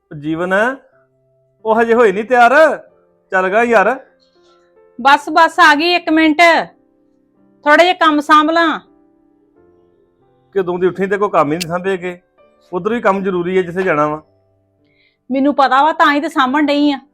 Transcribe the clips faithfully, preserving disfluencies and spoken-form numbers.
ਜੀਵਨ ਉਹ ਹਜੇ ਹੋਈ ਨਹੀਂ ਤਿਆਰ। ਚੱਲ ਗਾ ਯਾਰ। ਬਸ ਬਸ ਆ ਗਈ ਇੱਕ ਮਿੰਟ, ਥੋੜਾ ਜਿਹਾ ਕੰਮ ਸਾਂਭ ਲਾਂ। ਕਦੋਂ ਦੀ ਉੱਠੀ ਤੇ ਕੋਈ ਕੰਮ ਹੀ ਨਹੀਂ ਸਾਂਭੇ ਕੇ। ਉਧਰ ਵੀ ਕੰਮ ਜ਼ਰੂਰੀ ਹੈ ਜਿੱਥੇ ਜਾਣਾ ਵਾ। ਮੈਨੂੰ ਪਤਾ ਵਾ ਤਾਂ ਹੀ ਤੇ ਸਾਂਭਣ ਡਈ ਆ।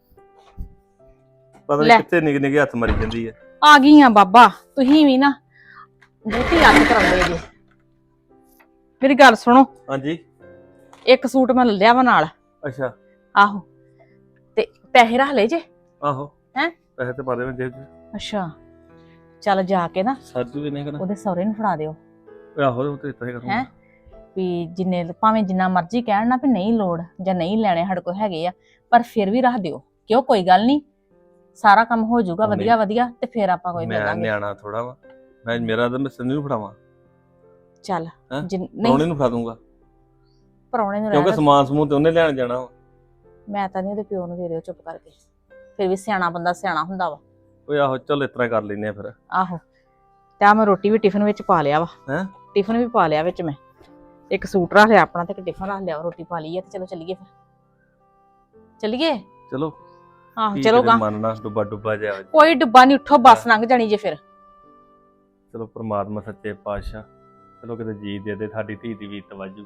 ਪਤਾ ਨਹੀਂ ਕਿੱਥੇ ਨਿੱਕੇ ਨਿੱਕੇ ਹੱਥ ਮਾਰੀ ਜਾਂਦੀ ਹੈ। ਆ ਗਈ ਆ ਬਾਬਾ, ਤੁਸੀਂ ਵੀ ਨਾ ਬਹੁਤੀ ਅੱਤ ਕਰਾਉਂਦੇ ਜੇ। ਮੇਰੀ ਗੱਲ ਸੁਣੋ। ਹਾਂਜੀ। ਇੱਕ ਸੂਟ ਮੈਂ ਲੈ ਲਿਆ ਵਾ ਨਾਲ। ਅੱਛਾ। ਆਹੋ ਤੇ ਪੈਸੇ ਰੱਖ ਲਏ ਜੇ। ਆਹੋ ਹੈ ਪੈਸੇ ਤੇ ਪਾ ਦੇ ਮੈਂ ਜੇਬ 'ਚ। ਅੱਛਾ ਚੱਲ ਜਾ ਕੇ ਨਾ ਸਾਜੂ ਵੀ ਨਹੀਂ ਕਰਨਾ ਉਹਦੇ ਸਹੁਰੇ ਨੂੰ ਫੜਾ ਦਿਓ। ਆਹੋ ਉਹ ਤੇ ਇਤਾਂ ਹੀ ਕਰੂੰਗਾ। ਹੈ ਵੀ ਜਿੰਨੇ ਭਾਵੇਂ ਜਿੰਨਾ ਮਰਜ਼ੀ ਕਹਿਣ ਨਾ ਵੀ ਨਹੀਂ ਲੋੜ ਜਾਂ ਨਹੀਂ ਲੈਣੇ ਸਾਡੇ ਕੋਲ ਹੈਗੇ ਆ, ਪਰ ਫਿਰ ਵੀ ਰੱਖ ਦਿਓ। ਕਿਉਂ ਕੋਈ ਗੱਲ ਨਹੀਂ, ਸਾਰਾ ਕੰਮ ਹੋ ਜਾਊਗਾ ਵਧੀਆ ਵਧੀਆ ਤੇ ਫਿਰ ਆਪਾਂ ਕੋਈ ਮੈਂ ਮਿਲਾਂਗੇ। ਨਿਆਣਾ ਥੋੜਾ ਵਾ ਮੈਂ, ਮੇਰਾ ਤਾਂ ਮੈਂ ਸੰਨੀ ਨੂੰ ਫੜਾਵਾਂ। ਚੱਲ ਨਹੀਂ ਨਹੀਂ ਨੂੰ ਫੜਾ ਦੂੰਗਾ ਪਰੌਣੇ ਨੂੰ ਕਿਉਂਕਿ ਰਹਿਣ ਸਮਾਨ ਸਮੂਹ ਤੇ ਉਹਨੇ ਲੈਣ ਜਾਣਾ ਵਾ। ਮੈਂ ਤਾਂ ਨਹੀਂ ਉਹਦੇ ਪਿਓ ਨੂੰ ਦੇ ਦਿਓ ਚੁੱਪ ਕਰਕੇ। ਫਿਰ ਵੀ ਸਿਆਣਾ ਬੰਦਾ ਸਿਆਣਾ ਹੁੰਦਾ ਵਾ। ਓਏ ਆਹੋ ਚੱਲ ਇਸ ਤਰ੍ਹਾਂ ਕਰ ਲੈਨੇ ਆ ਫਿਰ। ਆਹੋ ਤੇ ਆ ਮੈਂ ਰੋਟੀ ਵੀ ਟਿਫਨ ਵਿੱਚ ਪਾ ਲਿਆ ਵਾ। ਹੈ ਟਿਫਨ ਵੀ ਪਾ ਲਿਆ ਵਿੱਚ ਮੈਂ। ਇੱਕ ਸੂਟ ਰੱਖ ਲਿਆ ਆਪਣਾ ਤੇ ਇੱਕ ਟਿਫਨ ਰੱਖ ਲਿਆ, ਰੋਟੀ ਪਾ ਲਈ ਹੈ ਤੇ ਚਲੋ ਚੱਲੀਏ ਫਿਰ। ਚੱਲੀਏ ਚਲੋ। ਆਹੋ ਚਲੋ ਗਾ। ਮੰਨਣਾ ਡੁੱਬਾ ਡੁੱਬਾ ਜਾ। ਕੋਈ ਡੁੱਬਾ ਨਹੀਂ, ਉੱਠੋ ਬੱਸ ਲੰਘ ਜਾਣੀ ਜੇ ਫਿਰ। ਚਲੋ ਪ੍ਰਮਾਤਮਾ ਸੱਚੇ ਪਾਤਸ਼ਾਹ ਚਲੋ ਕਿਤੇ ਜੀ ਦੇ ਦੇ, ਸਾਡੀ ਧੀ ਦੀ ਵੀ ਤਵੱਜੂ।